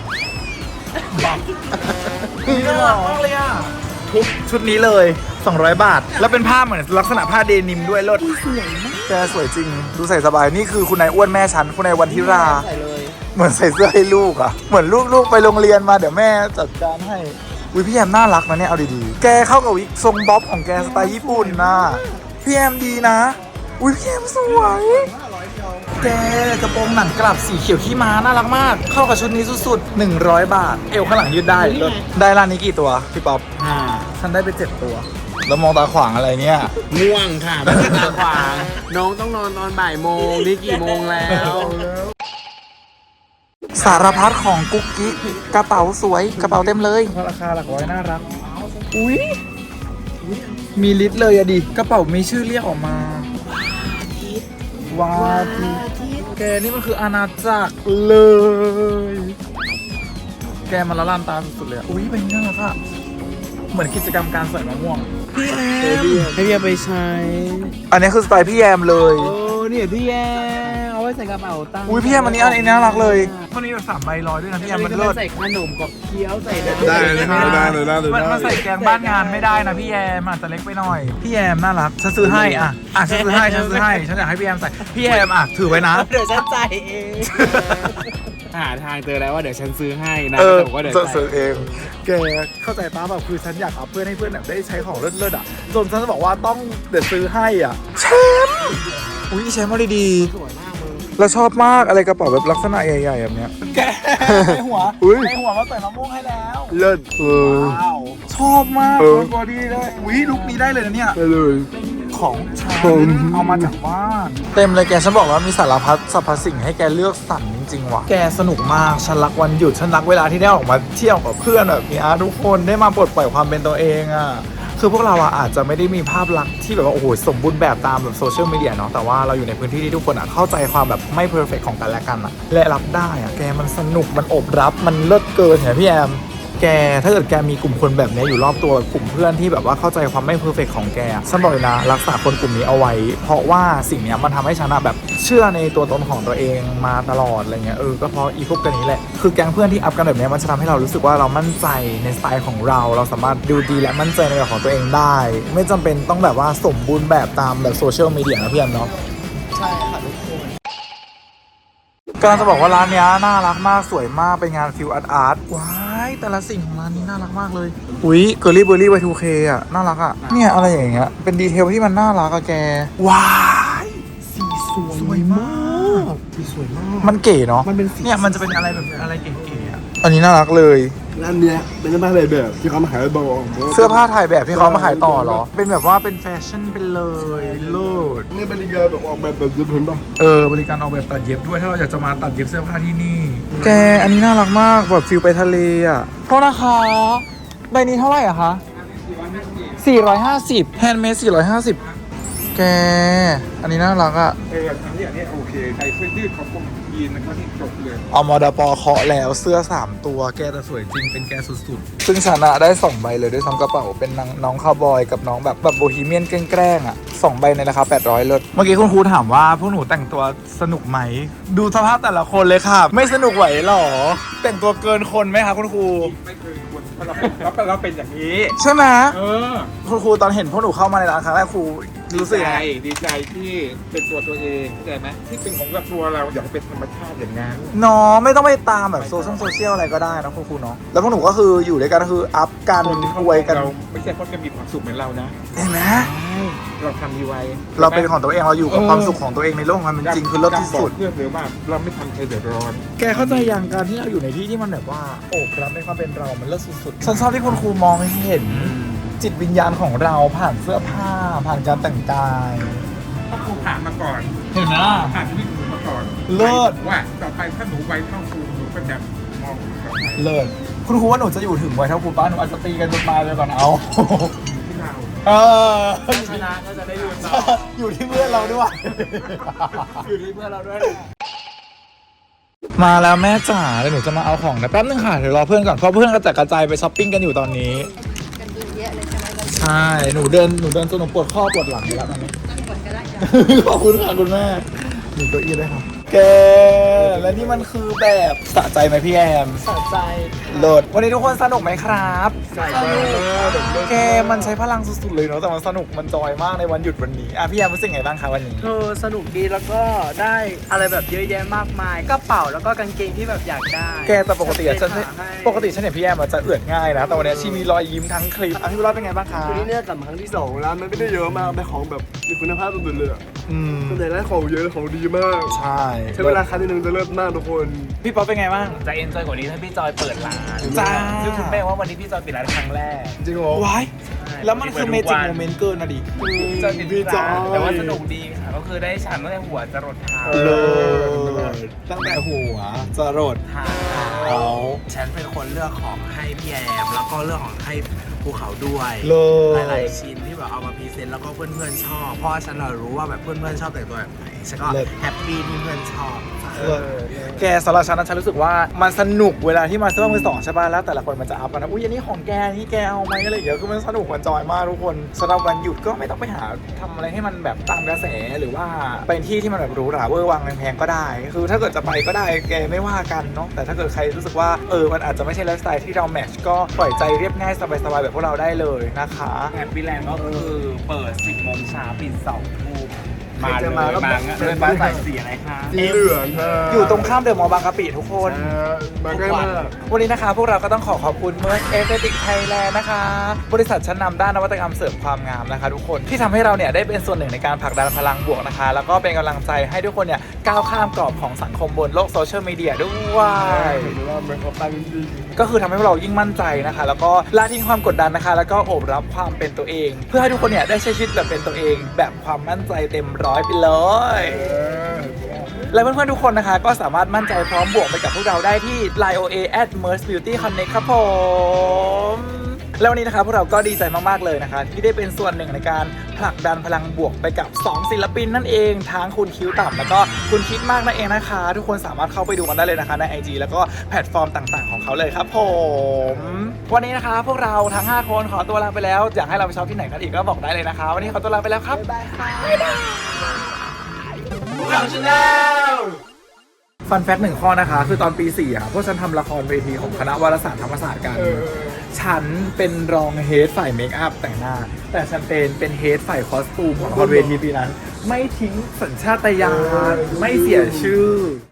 [SPEAKER 1] นี่น่ารักมากเลยอ่ะทุกชุดนี้เลย 200 บาท แล้วเป็นผ้าเหมือนลักษณะผ้าเดนิมด้วยเลิศสวยมากแกสวยจริง ดูใส่สบาย นี่คือคุณนายอ้วนแม่ฉัน คุณนายวันทิรา
[SPEAKER 5] ใส่เลย
[SPEAKER 1] เหมือนใส่เสื้อให้ลูกอ่ะ เหมือนลูกไปโรงเรียนมาเดี๋ยวแม่จัดการให้อุ้ยพี่แอมน่ารักนะเนี่ยเอาดีๆ แกเข้ากับวิกทรงบ๊อบของแกสไตล์ญี่ปุ่นนะพี่แอมดีนะ อุ้ยพี่แอมสวยแกกระโปรงหนังกลับสีเขียวขี้ม้าน่ารักมาก เข้ากับชุดนี้สุดๆ100 บาท เอวข้างหลังยืดได้เลิศได้ร้านนี้กี่ตัวพี่ป๊อปฉันได้ไป7 ตัวแล้วมองตาขวางอะไรเนี่ย
[SPEAKER 3] ง่วงค่ะไม่ได้ตาขวางน้องต้องนอนตอนบ่ายโมงนี่กี่โมงแล้ว
[SPEAKER 1] สารพัดของกุ๊กกิ๊กกระเป๋าสวยกระเป๋าเต็มเลยราคาหลักร้อยน่ารักอุ้ยมีลิตรเลยอะดิกระเป๋ามีชื่อเรียกออกมาวาทิแกนี่มันคืออาณาจักรเลย แกมันละลานตาสุดๆเลยอะอุ้ยเป็นน่ารักอะเหมือนกิจกรรมการใส่มะม่วงพี่แอม
[SPEAKER 3] ให้พี่ไปใช้
[SPEAKER 1] อันนี้คือสไตล์พี่แยมเลย
[SPEAKER 3] โอ้เนี่ยพี่แอมเอาไว้ใส่กระเป๋าตังค์
[SPEAKER 1] อุ้ยพี่แยมอันนี้น่ารักเลยคนนี้แบบ3 ใบร้อยด้วยนะพี่แยมมันเลิศ
[SPEAKER 3] ใส่ขนมกับเคี้ยวใส่ได้
[SPEAKER 2] ได้เลยได้
[SPEAKER 1] มันใส่แกงบ้านงานไม่ได้นะพี่แยมอาจจะเล็กไปหน่อย พี่แยมน่ารักฉันซื้อให้อ่ะฉันซื้อให้ฉันอยากให้พี่แยมใส่พี่แยมอ่ะถือไว้นะ
[SPEAKER 3] เดี๋ยวฉันจ่ายเองหาทางเจอแล้วว่าเดี๋ยวฉันซื้อให้นะ
[SPEAKER 1] เออ
[SPEAKER 3] แต่ผมก็เดี๋ยว
[SPEAKER 1] จะ
[SPEAKER 3] จ่าย
[SPEAKER 1] ซื้อเองแกเข้าใจป้าแบบคือฉันอยากเอาเพื่อนให้เพื่อนแบบได้ใช้ของเลิศๆอ่ะจนฉันบอกว่าต้องเดี๋ยวซื้อให้อ่ะแชมป์อุ้ยแชมป์มาดีๆ
[SPEAKER 3] สวยมากมึง
[SPEAKER 1] เราชอบมากอะไรกระเป๋าแบบลักษณะใหญ่ๆแบบเนี้ยแกในหัว
[SPEAKER 2] อุ้ย
[SPEAKER 1] ในหัวมาใส่มะม่วงให้แล้ว
[SPEAKER 2] เลิศ
[SPEAKER 1] ว้าวชอบมาก
[SPEAKER 2] เออ
[SPEAKER 1] บอดี้ได้อุ้ยลุคนี้ได้เลยนะเนี่ย
[SPEAKER 2] ได้เลย
[SPEAKER 1] ของฉัน
[SPEAKER 2] ผม
[SPEAKER 1] เอามาจากบ้านเต็มเลยแกฉันบอกว่ามีสารพัดสรรพสิ่งให้แกเลือกสรรจริงๆว่ะแกสนุกมากฉันรักวันหยุดฉันรักเวลาที่ได้ออกมาเที่ยวกับเพื่อนแบบนี้ทุกคนได้มาปลดปล่อยความเป็นตัวเองอ่ะคือพวกเราอะอาจจะไม่ได้มีภาพลักษณ์ที่แบบว่าโอ้โหสมบูรณ์แบบตามแบบโซเชียลมีเดียเนาะแต่ว่าเราอยู่ในพื้นที่ที่ทุกคนอะเข้าใจความแบบไม่เพอร์เฟกของกันและกันอะและรับได้อะแกมันสนุกมันอบรับมันเลิศเกินเห็นไหมพี่แอม แกถ้าเกิดแกมีกลุ่มคนแบบนี้อยู่รอบตัวแบบกลุ่มเพื่อนที่แบบว่าเข้าใจความไม่เพอร์เฟกของแกฉันบอกเลยนะรักษาคนกลุ่มนี้เอาไว้ เพราะว่าสิ่งเนี้ยมันทำให้ฉันแบบเชื่อในตัวตนของตัวเองมาตลอดอะไรเงี้ยก็เพราะอีพวกกันนี้แหละคือแก๊งเพื่อนที่อัพกันแบบนี้มันจะทำให้เรารู้สึกว่าเรามั่นใจในสไตล์ของเราสามารถดูดีและมั่นใจในแบบของตัวเองได้ ไม่จำเป็นต้องแบบว่าสมบูรณ์แบบตามแบบโซเชียลมีเดียนะพี่แอมเนาะ
[SPEAKER 5] ใช่ค่ะทุกคน
[SPEAKER 1] กำลังจะบอกว่าร้านเนี้ยน่ารักมากสวยมากเป็นงานฟิลอาร์ตว้ายแต่ละสิ่งของร้านนี้น่ารักมากเลยอุ้ยเกอร์ลี่เบอร์รี่ Y2K อ่ะน่ารักอ่ะเนี่ยอะไรอย่างเงี้ยเป็นดีเทลที่มันน่ารักอะแกว้ายสีสวยมากสีสวยมากมันเก๋เนาะ
[SPEAKER 2] มันเป็นสี
[SPEAKER 1] เนี่ยมันจะเป็นอะไรแบบอะไรเก๋ๆอ่ะอันนี้น่ารักเลย
[SPEAKER 2] ร้านเนี้ยเป็นร้านอะไรแบบที่เขามาขายบอก
[SPEAKER 1] เสื้อผ้าถ่ายแบบที่เขามาขายต่อเหรอเป็นแบบว่าเป็นแฟชั่นไปเลยเลิศ
[SPEAKER 2] นี่บริการแบบออกแบบแบบญี่ปุ่นป่ะ
[SPEAKER 1] บริการออกแบบตัดเย็บด้วยถ้าเราอยากจะมาตัดเย็บเสื้อผ้าที่นี่ แกอันนี้น่ารักมากแบบฟิลไปทะเลอ่ะโทษนะคะใบนี้เท่าไหร่อะคะ450แฮนด์เมด450แกอันนี้น่ารักอ่ะ
[SPEAKER 6] อันนี้โอเคใส่เสื้อยืดของผมยีนนะครับที่จบเลย
[SPEAKER 1] เอามอดปอเคาะแล้วเสื้อ3ตัวแกแต่สวยจริงเป็นแกสุดๆซึ่งชนะได้2ใบเลยด้วยซ้ำกระเป๋าเป็นน้องคาวบอยกับน้องแบบโบฮีเมียนแกล้งๆอ่ะ2ใบในราคา800เลิศเมื่อกี้คุณครูถามว่าพวกหนูแต่งตัวสนุกไหมดูสภาพแต่ละคนเลยค่ะไม่สนุกไหวหรอแต่งตัวเกินคนไหมคะคุณครู
[SPEAKER 6] ไม่เคยควรเพราะเราเป็นอย่างนี้
[SPEAKER 1] ใช่ไหม
[SPEAKER 6] เ
[SPEAKER 1] คุณครูตอนเห็นพวกหนูเข้ามาในร้านครั้งแรกครูรู้สึกยังไง
[SPEAKER 6] ดีใจที่เป็นตัวเองเข้าใจไหมที่เป็นของกับตัวเราอยากเป็นธรรมชาติอย่างนั้น
[SPEAKER 1] เนาะไม่ต้องไปตามแบบโซเชียลอะไรก็ได้นะคุณครูเนาะแล้วพวกหนูก็คืออยู่ด้วยกันก็คืออัพกัน
[SPEAKER 6] คนที่
[SPEAKER 1] อวยกัน
[SPEAKER 6] เราไม่ใช่เพราะจะมีความสุขเหมือนเรานะ
[SPEAKER 1] เห็นไหม
[SPEAKER 6] เราทำดีไว้
[SPEAKER 1] เราเป็นของตัวเองเราอยู่กับความสุขของตัวเองในโลกความเป็นจริงคือเลิศที่สุด
[SPEAKER 6] เพื่อนหรือว่าเราไม่ทำใครเดือดร้อน
[SPEAKER 1] แกเข้าใจอย่างการที่เราอยู่ในที่ที่มันแบบว่าโอบรับในความเป็นเรา มันเลิศสุดๆฉันชอบที่คุณครูมองเห็นจิตวิญญาณของเราผ่านเสื้อผ้า ผ่านการแต่งกาย
[SPEAKER 6] ถ้าครูผ่านมาก่อน
[SPEAKER 1] เห็นไหม
[SPEAKER 6] ผ่านชีวิตหนูมาก่อน
[SPEAKER 1] เลิศ
[SPEAKER 6] ว่าต่อไปถ้าหนูไวเท่าครูหนูก็จะมองต่อไป
[SPEAKER 1] เลิศคุณครูว่าหนูจะอยู่ถึงวัยเท่าครูป้าหนูอาจจะตีกันจนตายเลยก่อนเอา
[SPEAKER 6] ที่เรา
[SPEAKER 3] ชนะก็จะได้อยู่ต่อ
[SPEAKER 1] อยู่ที่เพื่อนเราด้วย
[SPEAKER 3] อยู่ที่เพื่อนเราด้วย
[SPEAKER 1] มาแล้วแม่จ๋าเดี๋ยวหนูจะมาเอาของนะแป๊บนึงค่ะเดี๋ยวรอเพื่อนก่อนเพราะเพื่อนกระจัดกระจายไปช้อปปิ้งกันอยู่ตอนนี้
[SPEAKER 4] กันดูเยอะเลยใช่ไหมเรา
[SPEAKER 1] ใช่หนูเดินจนหนูปวดข้อปวดหลังอยู่แล้วตอนนี้
[SPEAKER 4] ตั้งกดก็ได้จ้ะ
[SPEAKER 1] ขอบคุณค่ะคุณแม่หนูตัวอีได้ครับแกและนี่มันคือแบบสะใจไหมพี่แอม
[SPEAKER 5] สะใจ
[SPEAKER 1] โหลดวันนี้ทุกคนสนุกไหมครับ
[SPEAKER 5] ใส่ไป
[SPEAKER 1] แกมันใช้พลังสุดๆเลยเนาะแต่มันสนุกมันจอยมากในวันหยุดวันนี้พี่แอมรู้สึกไงบ้างคะวันนี้
[SPEAKER 5] สนุกดีแล้วก็ได้อะไรแบบเยอะแยะมากมายกระเป๋าแล้วก็กางเกงที่แบบอยากได้
[SPEAKER 1] แกแต่ปกติอะฉัน
[SPEAKER 5] ให้
[SPEAKER 1] ปกติฉันเห็นพี่แอมอะจะเอือดง่ายนะแต่วันนี้ชีมีรอยยิ้มทั้งคลิปพี่บุญรอดเป็นไงบ้างคะ
[SPEAKER 2] คือที่เนี่ยกลับมาครั้งที่2แล้วมันไม่ได้เยอะมากเป็นของแบบมีคุณภาพสุดๆเลยอะคนไหนได้ของเยอะของดีมาก
[SPEAKER 1] ใช่
[SPEAKER 2] ใช้เวลาครั้งนึงจะเลิศมากทุกคน
[SPEAKER 1] พี่ป๊อปเป็นไงบ้าง
[SPEAKER 3] จะเอ็นจอยกว่านี้ถ้าพี่จอยเปิดร้าน
[SPEAKER 1] จ้า
[SPEAKER 3] ซึ่งคุณแม่ว่าวันนี้พี่จอยปิดร้านครั้งแรก
[SPEAKER 2] จริงเหรอ
[SPEAKER 1] ว้ายแล้วมันคือเมจิกโมเมนต์เกินนะดิ
[SPEAKER 3] จอยปิด
[SPEAKER 2] พี่จอ
[SPEAKER 3] ร้าน
[SPEAKER 2] ย
[SPEAKER 3] แต่ว่าสนุกดีค่ะก็คือได้ฉันตั้งแต่หัวจรดเท้า
[SPEAKER 1] ตั้งแต่หัวจรด
[SPEAKER 3] เท้า
[SPEAKER 1] เอา
[SPEAKER 3] ฉันเป็นคนเลือกของให้พี่แอมแล้วก็เลือกของให้ภูเขาด้วย
[SPEAKER 1] เล
[SPEAKER 3] หลายๆชิ้นที่แบบเอามาพรีเซนต์แล้วก็เพื่อนๆชอบ เพราะว่าฉันรู้ว่าแบบเพื่อนๆชอบแต่งตัวแบบไหนฉันก็แฮปปี้ที่เพื่อนชอบ
[SPEAKER 1] แกสำหรับฉันนะฉันรู้สึกว่ามันสนุกเวลาที่มาซื้อมือสองใช่ป่ะแล้วแต่ละคนมันจะอัพกันนะอุ้ยอันนี้ของแกอันนี่แกเอาไหมอะไรอย่างเงี้ยคือมันสนุกมันจอยมากทุกคนสำหรับวันหยุดก็ไม่ต้องไปหาทำอะไรให้มันแบบตามกระแสหรือว่าเป็นที่ที่มันแบบหรูหราเวอร์วังแพงๆก็ได้ คือถ้าเกิดจะไปก็ได้แกไม่ว่ากันเนาะแต่ถ้าเกิดใครรู้สึกว่ามันอาจจะไม่ใช่ไลฟ์สไตล์ที่เราแมทช์ก็ปล่อยใจเรียบง่ายสบายๆแบบพวกเราได้เลยนะคะ
[SPEAKER 3] แฮปปี้แลนด์ก็คือเปิด 10 โมงเช้าปิด2 ทุ่มมา
[SPEAKER 2] ใคร
[SPEAKER 3] เล
[SPEAKER 2] จะ
[SPEAKER 3] ย
[SPEAKER 2] มาก็
[SPEAKER 3] มาเลยบ้านใส่สีอะไรคะ
[SPEAKER 2] สีเหลืองค่ะ
[SPEAKER 1] อยู่ตรงข้ามเดอะมอลล์บางกะปิทุกคน
[SPEAKER 2] มาใกล้มาก
[SPEAKER 1] วันนี้นะคะพวกเราก็ต้องขอบคุณเมอร์เอสเตติกไทยแลนด์นะคะ บริษัทชั้นนำด้านนวัตกรรมเสริมความงามนะคะทุกคนที่ทำให้เราเนี่ยได้เป็นส่วนหนึ่งในการผลักดันพลังบวกนะคะ แล้วก็เป็นกำลังใจให้ทุกคนเนี่ยก้าวข้ามกรอบของสังคมบนโลกโซเชียลมีเดียด้วย
[SPEAKER 2] เห็นว่ามันเขาตั้งจริง
[SPEAKER 1] ก็คือทำให้พวกเรายิ่งมั่นใจนะคะ แล้วก็ละทิ้งความกดดันนะคะ แล้วก็โอบรับความเป็นตัวเอง เพื่อให้ทุกคนเนี่ยได้ใช้ชีวิตแบบเป็นตัวเอง แบบความมั่นใจเต็มร้อยไปเลย และเพื่อนๆทุกคนนะคะก็สามารถมั่นใจพร้อมบวกไปกับพวกเราได้ที่ Line OA @Merce Beauty Connect ครับผมแล้ววันนี้นะคะพวกเราก็ดีใจมากๆเลยนะคะ ที่ได้เป็นส่วนหนึ่งในการผลักดันพลังบวกไปกับ 2 ศิลปินนั่นเองทั้งคุณคิ้วต่ำแล้วก็คุณคิดมากนั่นเองนะคะ ทุกคนสามารถเข้าไปดูกันได้เลยนะคะใน IG แล้วก็แพลตฟอร์มต่างๆของเขาเลยครับผมวันนี้นะคะพวกเราทั้ง5คนขอตัวลาไปแล้วอยากให้เราไปช็อปที่ไหนกันอีกก็บอกได้เลยนะคะ วันนี้ขอตัวลาไปแล้วครับบ๊ายบายค่ะฟันแฟกต์หนึ่งข้อนะคะ คือตอนปี4อ่ะพวกฉันทำละครเวทีของคณะวารสารธรรมศาสตร์กัน ฉันเป็นรองเฮดฝ่ายเมคอัพแต่งหน้า แต่ฉันเป็นเฮดฝ่ายคอสตูมของละครเวทีปีนั้น ไม่ทิ้งสัญชาตญาณไม่เสียชื่อ